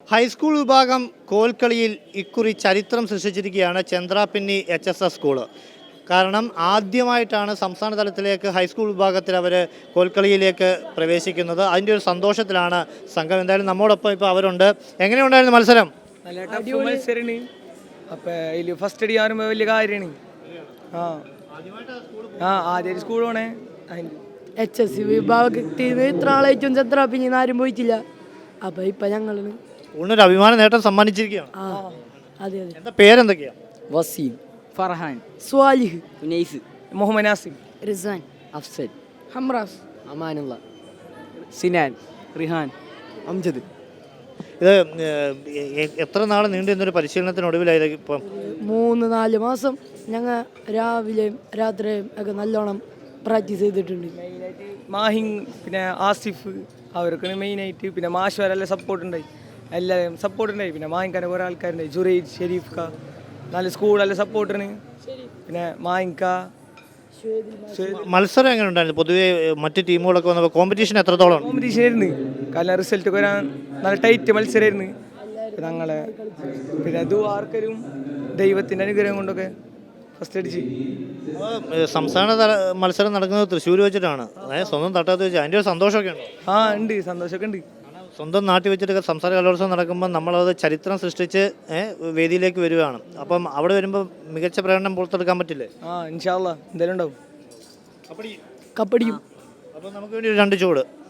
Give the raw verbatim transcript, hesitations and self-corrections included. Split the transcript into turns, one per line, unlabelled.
High school വിഭാഗം കോൽക്കളിയിൽ ഇക്കുറി ചരിത്രം സൃഷ്ടിച്ചിരിക്കുകയാണ് Chandrapinni H S S school. കാരണം ആദ്യമായിട്ടാണ് സംസ്ഥാന തലത്തിലേക്ക് ഹൈസ്കൂൾ വിഭാഗത്തിൽ അവർ കോൽക്കളിയിലേക്ക് പ്രവേശിക്കുന്നത്. അതിൻ്റെ ഒരു സന്തോഷത്തിലാണ് സംഘം. എന്തായാലും നമ്മോടൊപ്പം ഇപ്പോൾ അവരുണ്ട്. എങ്ങനെയുണ്ടായിരുന്നു മത്സരം?
നല്ല ടഫ് മത്സരമാണ്. അപ്പം അതിൽ ഫസ്റ്റ് അടി ആകുമ്പോൾ വലിയ കാര്യമാണ്. ആ ആ ആദ്യം സ്കൂൾ പോണേ
എച്ച് എസ് സി വിഭാഗത്തിൽ ഇത്ര ആളായിട്ടും ചന്ദ്രാപിന്നി ആരും പോയിട്ടില്ല. അപ്പം ഇപ്പം ഞങ്ങൾ
സ്കൂളിനൊരു അഭിമാന നേട്ടം സമ്മാനിച്ചിരിക്കുകയാണ്.
ആ അതെ അതെ.
എന്താ പേരെന്തൊക്കെയാണ്?
വസീം,
ഫർഹാൻ,
സ്വാലിഹ്,
ഉനൈസ്,
മുഹമ്മദ് നാസിം,
റിസാൻ,
അഫ്സൽ,
ഹംറാസ്,
അമാനുള്ള, സിനാൻ, റിഹാൻ, അംജദ്.
ഇത് ഏഹ്, എത്ര നാൾ നീണ്ടു നിന്നൊരു പരിശീലനത്തിനൊടുവിലായത് ഇപ്പം?
മൂന്ന് നാല് മാസം ഞങ്ങൾ രാവിലെയും രാത്രിയും ഒക്കെ നല്ലോണം പ്രാക്ടീസ് ചെയ്തിട്ടുണ്ട്.
മെയിനായിട്ട് മാഹിങ് പിന്നെ ആസിഫ് അവർക്കാണ് മെയിനായിട്ട്. പിന്നെ മാഷുകാരെല്ലാം സപ്പോർട്ട് ഉണ്ടായി, എല്ലാവരും സപ്പോർട്ട് ഉണ്ടായി. പിന്നെ മാഹിങ്കാൻ്റെ കുറേ ആൾക്കാരുണ്ടായി, ജുറൈദ്, ഷെരീഫ് ക, നല്ല സ്കൂളെല്ലാം സപ്പോർട്ടാണ്. പിന്നെ മാഹിങ്ക.
മത്സരം എങ്ങനെ ഉണ്ടായിരുന്നു? പൊതുവെ മറ്റ് ടീമുകളൊക്കെ വന്നപ്പോൾ കോമ്പറ്റീഷൻ എത്രത്തോളം?
കോമ്പറ്റീഷൻ ആയിരുന്നു. കാരണം റിസൾട്ട് വരാൻ നല്ല ടൈറ്റ് മത്സരമായിരുന്നു. ഞങ്ങളെ പിന്നെ അത് ആർക്കും ദൈവത്തിൻ്റെ അനുഗ്രഹം കൊണ്ടൊക്കെ ഫസ്റ്റ് അടിച്ച്.
സംസ്ഥാന തല മത്സരം നടക്കുന്നത് തൃശ്ശൂർ വെച്ചിട്ടാണ്, അതായത് സ്വന്തം തട്ടത്ത് വെച്ച്. അതിൻ്റെ ഒരു സന്തോഷമൊക്കെ ഉണ്ട്.
ആ ഉണ്ട്, സന്തോഷമൊക്കെ ഉണ്ട്.
സ്വന്തം നാട്ടിൽ വെച്ചിട്ട് സംസ്ഥാന കലോത്സവം നടക്കുമ്പോൾ നമ്മളത് ചരിത്രം സൃഷ്ടിച്ച് വേദിയിലേക്ക് വരികയാണ്. അപ്പം അവിടെ വരുമ്പോൾ മികച്ച പ്രകടനം പുറത്തെടുക്കാൻ പറ്റില്ലേ?
ആ ഇൻഷാ അല്ലാ എന്തായാലും ഉണ്ടാവും.
കപ്പടിയും.
അപ്പം നമുക്ക് വേണ്ടി ഒരു രണ്ട് ചൂട്.